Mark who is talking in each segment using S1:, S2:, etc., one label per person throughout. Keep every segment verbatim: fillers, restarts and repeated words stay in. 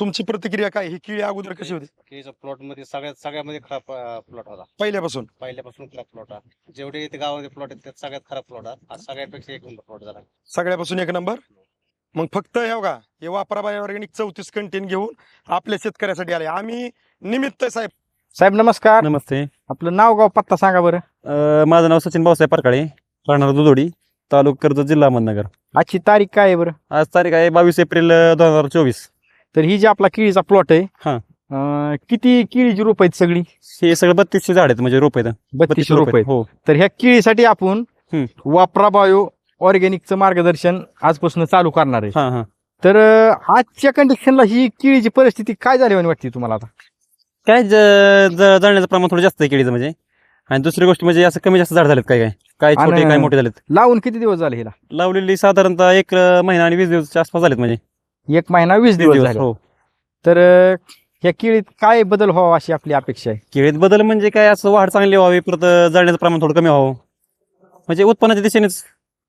S1: तुमची प्रतिक्रिया काय? ही केळी अगोदर कशी होती
S2: केळीचा प्लॉट मध्ये सगळ्यात सगळ्यामध्ये खराब प्लॉट होता.
S1: पहिल्यापासून?
S2: पहिल्यापासून खराब प्लॉट होता. जेवढे इथे गावामध्ये प्लॉट आहेत त्यात सगळ्यात खराब प्लॉट हा आज सगळ्यापेक्षा एक नंबर प्लॉट झाला.
S1: सगळ्यापासून एक नंबर. मग फक्त हे बघा, हे वापरा बाय ऑर्गॅनिक चौतीस कंटेन घेऊन आपल्या शेतकऱ्यासाठी आले. आम्ही निमित्त साहेब.
S3: साहेब नमस्कार.
S4: नमस्ते.
S3: आपलं नाव गाव पत्ता सांगा बरं.
S4: अ, माझं नाव सचिन भाऊसाहेब परकाळे, राहणार दुधोडी, तालुका कर्जत, जिल्हा अहमदनगर.
S3: आजची तारीख काय आहे बरं?
S4: आज तारीख आहे बावीस एप्रिल दोन हजार चोवीस.
S3: तर ही जी आपला केळीचा प्लॉट आहे,
S4: हा.
S3: अं, किती केळीची रोप आहेत सगळी?
S4: हे सगळं बत्तीसशे झाड आहेत, म्हणजे रोप आहेत.
S3: बत्तीस रोप आहेत.
S4: हो.
S3: तर ह्या केळीसाठी आपण
S4: हम्म.
S3: वापरा बायो ऑर्गॅनिकचं मार्गदर्शन आजपासून चालू करणार आहे.
S4: हा हा
S3: तर अं, आजच्या कंडिशनला ही केळीची परिस्थिती काय झाली म्हणे वाटते तुम्हाला आता?
S4: काय ज- ज- जळण्याचं प्रमाण थोडं जास्त आहे केळीचं, म्हणजे. आणि दुसरी गोष्ट म्हणजे असं कमी जास्त झाड झालेत, काय काय काय छोटे
S3: आणि-
S4: काय मोठे झालेत.
S3: लावून किती दिवस झाले हिला?
S4: लावलेली साधारणतः एक अ, महिना आणि वीस दिवसाच्या आसपास झालेत, म्हणजे
S3: एक महिना वीस
S4: वीस
S3: दिवस
S4: दिवस.
S3: झाले.
S4: हो.
S3: तर अं, ह्या केळीत काय बदल व्हावा अशी आपली अपेक्षा आहे?
S4: केळीत बदल म्हणजे काय, असं वाढ चांगली व्हावी, परत जळण्याचं प्रमाण थोडं कमी व्हावं, म्हणजे उत्पन्नाच्या दिशेनेच.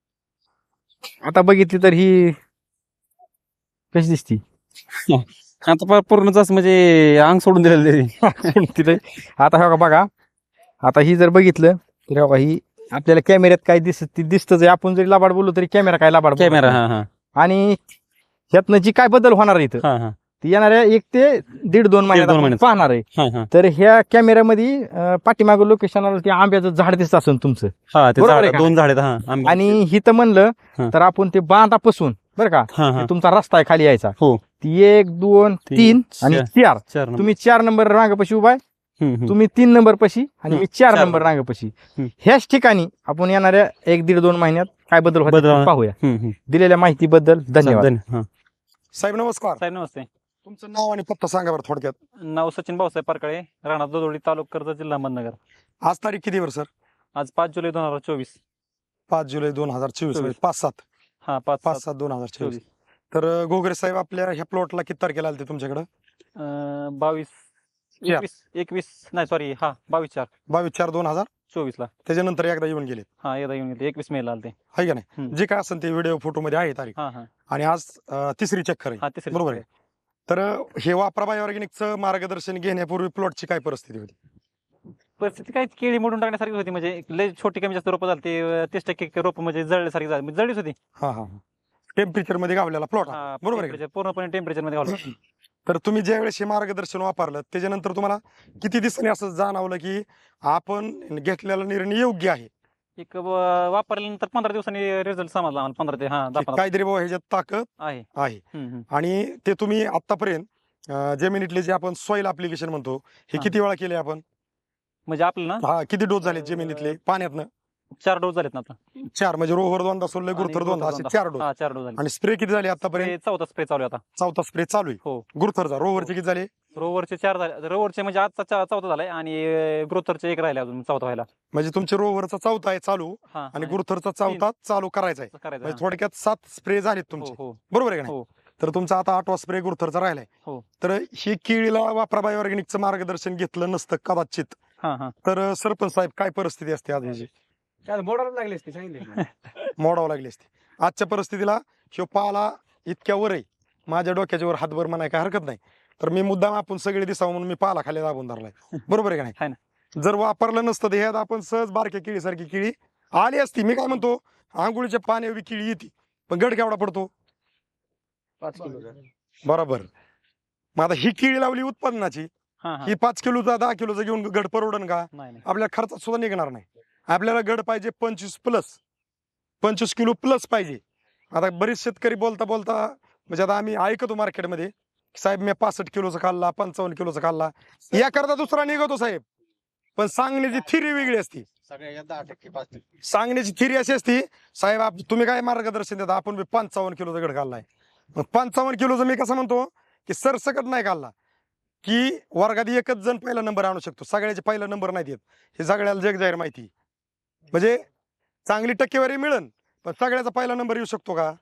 S3: आता बघितली तर ही कशी दिसती?
S4: आता प- पूर्णच असं म्हणजे अंग सोडून दिलेलं आहे.
S3: तिथे आता हे बघा बघा आता ही जर बघितलं तर हे बघा ही आपल्याला कॅमेऱ्यात काय दिसत ती दिसतच आहे. आपण जरी लाबाड बोललो तरी कॅमेरा काय लाबाड बोलत
S4: कॅमेरा.
S3: नाही.
S4: हा हा
S3: आणि ह्यातनं जी काय बदल होणार आहे इथं
S4: हा हा
S3: ती येणाऱ्या एक ते दीड दोन महिन्यात
S4: दोन
S3: आपण
S4: महिन्यात.
S3: पाहणार आहे.
S4: हा हा
S3: तर ह्या कॅमेऱ्यामध्ये अं, पाठीमागं लोकेशनला ते आंब्याचं झाड दिसत असेल तुमचं.
S4: हा ते
S3: बरोबर
S4: झाड
S3: आहे का?
S4: दोन झाड आहेत. हा आंबे.
S3: आणि हिथं म्हणलं
S4: हा.
S3: तर आपण ते बांधापासून बरं का
S4: हा हा
S3: ते तुमचा रस्ता आहे खाली यायचा.
S4: हो.
S3: ती एक दोन
S4: तीन,
S3: तीन आणि चार.
S4: चार नंबर.
S3: तुम्ही चार नंबर रांगापाशी उभा आहे,
S4: हम्म, हम्म.
S3: तुम्ही तीन नंबर पशी आणि
S4: हम्म,
S3: मी चार
S4: चार
S3: नंबर
S4: नंबर.
S3: रांगापाशी.
S4: हम्म.
S3: ह्याच ठिकाणी आपण येणाऱ्या एक दीड दोन महिन्यात काय बदल होतात
S4: बदल
S3: ते
S4: होणार.
S3: पाहूया.
S4: हम्म, हम्म.
S3: दिलेल्या माहितीबद्दल धन्यवाद.
S4: धन्य- हा.
S1: साहेब नमस्कार.
S4: साहेब नमस्ते.
S1: तुमचं नाव आणि पत्ता सांगा बरं थोडक्यात.
S4: नाव सचिन भाऊसाहेब परकाळे, राहणार दुधोडी, तालुका कर्जत, जिल्हा अहमदनगर.
S1: आज तारीख किती वर सर?
S4: आज पाच जुलै दोन हजार चोवीस.
S1: पाच जुलै दोन हजार चोवीस.
S4: चोवीस.
S1: पाच सात
S4: हा पाच
S1: पाच
S4: सात
S1: सात दोन हजार चोवीस.
S4: चोवीस.
S1: तर अं, घोगरे साहेब आपल्या ह्या प्लॉटला किती तारखेला आलते तुमच्याकडे?
S4: अं, बावीस
S1: चार.
S4: एकवीस एकवीस नाही सॉरी हा बावीस चार
S1: बावीस चार दोन हजार
S4: चोवीस ला.
S1: त्याच्यानंतर एकदा येऊन गेले,
S4: हा एकदा येऊन गेले, एकवीस मे ला आलते.
S1: आहे का नाही?
S4: हम्म.
S1: जे काय असेल ते व्हिडिओ फोटो मध्ये आहे तारीख.
S4: हा हा
S1: आणि आज अं, तिसरी चक्कर आहे.
S4: हा तिसरी.
S1: बरोबर आहे. तर अं, हे वापरा बाय ऑर्गॅनिकचं मार्गदर्शन घेण्यापूर्वी प्लॉटची काय परिस्थिती होती?
S4: परिस्थिती काय केळी मोडून टाकण्यासारखी होती, म्हणजे लय छोटी कमी जास्त रोप झाली ते तीस टक्के रोप म्हणजे जळल्यासारखी झाली, म्हणजे जळलीच होती.
S1: हा हा टेम्परेचर मध्ये गावलेला प्लॉट
S4: हा,
S1: बरोबर आहे का?
S4: temperature पूर्णपणे टेम्परेचर मध्ये घालून.
S1: तर तुम्ही ज्या वेळेस हे मार्गदर्शन वापरलं त्याच्यानंतर तुम्हाला किती दिवसांनी असं जाणवलं की आपण घेतलेला निर्णय योग्य आहे,
S4: एक व- वापरल्यानंतर पंधरा दिवसांनी रिझल्ट समजला आम्हाला. पंधरा ते हा दहा
S1: की
S4: पंधरा
S1: काहीतरी बाबा ह्याच्यात ताकद
S4: आहे.
S1: आहे?
S4: हम्म, हम्म.
S1: आणि ते तुम्ही आतापर्यंत अं, जमिनीतले जे आपण सॉइल अप्लिकेशन म्हणतो हे
S4: हा.
S1: किती वेळा केले आपण?
S4: म्हणजे आपलं ना
S1: हा, किती डोस झाले जमिनीतले पाण्यातनं?
S4: चार डोस झालेत ना आता.
S1: चार, म्हणजे रोहर दोनदा सोडले, गुरुथर
S4: आणि
S1: दोनदा, असे
S4: दोनदा.
S1: चार डोस.
S4: हा चार डोस झाले.
S1: आणि स्प्रे किती झाले आतापर्यंत?
S4: हे चौथा स्प्रे चालू आहे आता.
S1: चौथा स्प्रे चालू आहे.
S4: हो.
S1: गुरुथरचा रोहरचे किती झाले?
S4: रोवरचे चार झाले. रोवरचे म्हणजे आजचा चा- चौथा झालाय आणि ग्रोथरचे एक राहिले अजून चौथा व्हायला.
S1: म्हणजे तुमचे रोहरचा चौथा आहे चालू
S4: हा
S1: आणि गुरुथरचा चौथा चालू करायचा आहे.
S4: असं करायचं.
S1: म्हणजे
S4: हा.
S1: थोडक्यात सात स्प्रे झालेत
S4: हो
S1: तुमचे,
S4: हो
S1: बरोबर आहे का नाही?
S4: हो.
S1: तर तुमचा आता आठवा स्प्रे गुरुथरचा राहिलाय.
S4: हो.
S1: तर ही केळीला वापरा बाय ऑर्गॅनिकचं मार्गदर्शन घेतलं नसतं कदाचित
S4: हा हा
S1: तर सरपंच साहेब काय परिस्थिती असते आज ह्याची?
S2: मोडायला लागले असते सांगितले.
S1: मोडावं लागली असते. आजच्या परिस्थितीला ह्यो पाला इतक्या वर आहे, माझ्या डोक्याच्या वर हातभर म्हणाय काय हरकत नाही. तर मी मुद्दाम आपण सगळे दिसावं म्हणून मी पाला खाली दाबून धरलाय, बरोबर आहे का
S4: हाय
S1: नाही? जर वापरलं नसतं तर ह्यात आपण सहज बारक्या केळीसारखी केळी आली असती. मी काय म्हणतो, आंघोळीच्या पाण्यावर केळी येते, पण गड केवढा पडतो?
S2: पाच किलो.
S1: बरोबर. मग आता ही केळी लावली उत्पादनाची,
S4: हा हा
S1: ही पाच किलोचा दहा किलोचा घेऊन गड परवडन का?
S4: नाही नाही.
S1: आपल्या खर्चात सुद्धा निघणार नाही. आपल्याला गड पाहिजे पंचवीस प्लस, पंचवीस किलो प्लस पाहिजे. आता बरेच शेतकरी बोलता बोलता म्हणजे आता आम्ही ऐकतो मार्केटमध्ये, साहेब मी पासष्ट किलोचा खाल्ला, पंचावन्न किलोचा खाल्ला, या करता दुसरा निघतो साहेब. पण सांगण्याची थिरी वेगळी असती.
S2: सगळ्या दहा टक्के पाच टक्के
S1: सांगण्याची थिरी अशी असती, साहेब आप- तुम्ही काय मार्गदर्शन देता, आपण बी पंचावन्न किलोचा गड खाल्लाय. मग पंचावन्न किलोचा मी कसं म्हणतो की सरसकट नाही खाल्ला की वर्गात एकच जण पहिला नंबर आणू शकतो, सगळ्याचे पहिला नंबर नाही येत, हे सगळ्याला जग जाहीर माहिती. म्हणजे चांगली टक्केवारी मिळन पण सगळ्याचा पहिला नंबर येऊ शकतो का?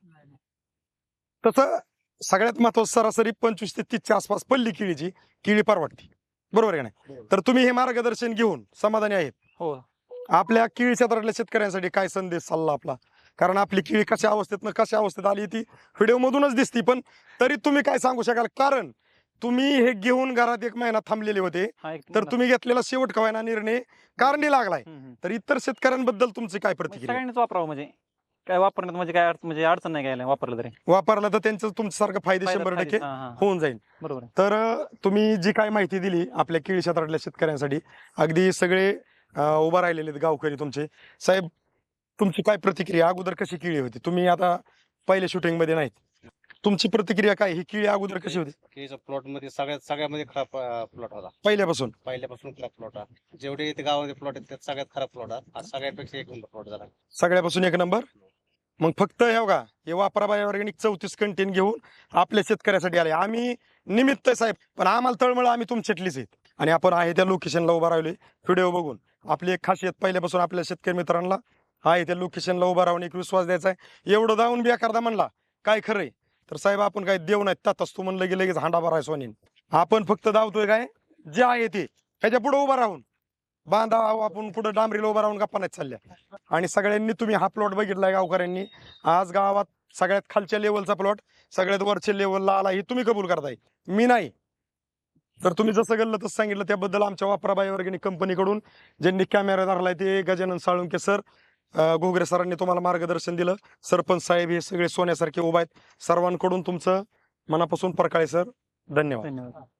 S1: तसं सगळ्यात महत्वाचं सरासरी पंचवीस ते तीसच्या आसपास पल्ली केळीची केळी परवडती, बरोबर आहे का नाही? तर तुम्ही हे मार्गदर्शन घेऊन समाधानी आहेत?
S4: हो.
S1: आपल्या केळी क्षेत्रातल्या शेतकऱ्यांसाठी काय संदेश सल्ला आपला? कारण आपली केळी कशा अवस्थेत कशा अवस्थेत आली ती व्हिडिओ मधूनच दिसती, पण तरी तुम्ही काय सांगू शकाल? कारण तुम्ही हे घेऊन घरात एक महिना थांबलेले होते
S4: हा एक
S1: तर तुम्ही घेतलेला शेवट कवायना निर्णय कारणी लागलाय.
S4: हम्म, हम्म.
S1: तर इतर शेतकऱ्यांबद्दल तुमची काय
S4: म्हणजे
S1: प्रतिक्रिया?
S4: सगळ्यांनीच वापरावं म्हणजे काय वापरण्यात म्हणजे काय अडचण म्हणजे अडचण नाही घ्यायला वापरलं तरी
S1: वापरला तर त्यांचं तुमच्यासारखं फायदे
S4: फायदा-
S1: शंभर टक्के
S4: फायदेच, हा, हा.
S1: होऊन जाईल.
S4: बरोबर आहे.
S1: तर अं, तुम्ही जी काय माहिती दिली आपल्या केळी क्षेत्रातल्या शेतकऱ्यांसाठी, अगदी सगळे अं, उभा राहिलेले आहेत गावकरी तुमचे. साहेब, तुमची काय प्रतिक्रिया? अगोदर कशी केळी होती? तुम्ही आता पहिल्या शूटिंग मध्ये नाहीत, तुमची प्रतिक्रिया काय? ही केळी अगोदर कशी होती
S2: केळीच्या प्लॉट मध्ये सगळ्यात सगळ्यामध्ये खराब प्लॉट होता.
S1: पहिल्यापासून?
S2: पहिल्यापासून खराब प्लॉट आहे. जेवढे इथे गावामध्ये प्लॉट आहेत त्यात सगळ्यात खराब प्लॉट आहे. आज सगळ्यापेक्षा एक नंबर प्लॉट झाला.
S1: सगळ्यापासून एक नंबर. मग फक्त हे बघा, हे वापरा बाय ऑर्गॅनिक चौतीस कंटेन घेऊन आपल्या शेतकऱ्यासाठी आले. आम्ही निमित्त आहे साहेब, पण आम्हाला तळमळ आम्ही तुमच्यातलीच आहेत आणि आपण आहे त्या लोकेशनला उभा राहिलोय. व्हिडिओ बघून आपली एक खासियत पहिल्यापासून आपल्या शेतकरी मित्रांना आहे त्या लोकेशनला उभा राहून एक विश्वास द्यायचा आहे. एवढं जाऊन बी एखादा म्हणला काय खरंय तर साहेब आपण काय देव नाहीत तातच तू म्हणलं की लगेच हांडा भराय सोनीन. आपण फक्त धावतोय काय जे आहे ते ह्याच्या पुढे उभा राहून बांधा आपण पुढे डांबरीला उभा राहून गप्पा नाही चालल्या. आणि सगळ्यांनी तुम्ही हा प्लॉट बघितलाय गावकऱ्यांनी. आज गावात सगळ्यात खालच्या लेवलचा प्लॉट सगळ्यात वरच्या लेवलला आला हे तुम्ही कबूल करताय, मी नाही. तर तुम्ही जसं गल्लं तसं सांगितलं त्याबद्दल आमच्या वापराबाई ऑर्गॅनिक कंपनीकडून ज्यांनी कॅमेरा धरलाय ते गजानन साळुंके सर, अं, घोगरे सरांनी तुम्हाला मार्गदर्शन दिलं. सरपंच साहेब हे सगळे सोन्यासारखे उभा आहेत. सर्वांकडून तुमचं मनापासून परकाळे सर धन्यवाद.
S4: धन्यवाद.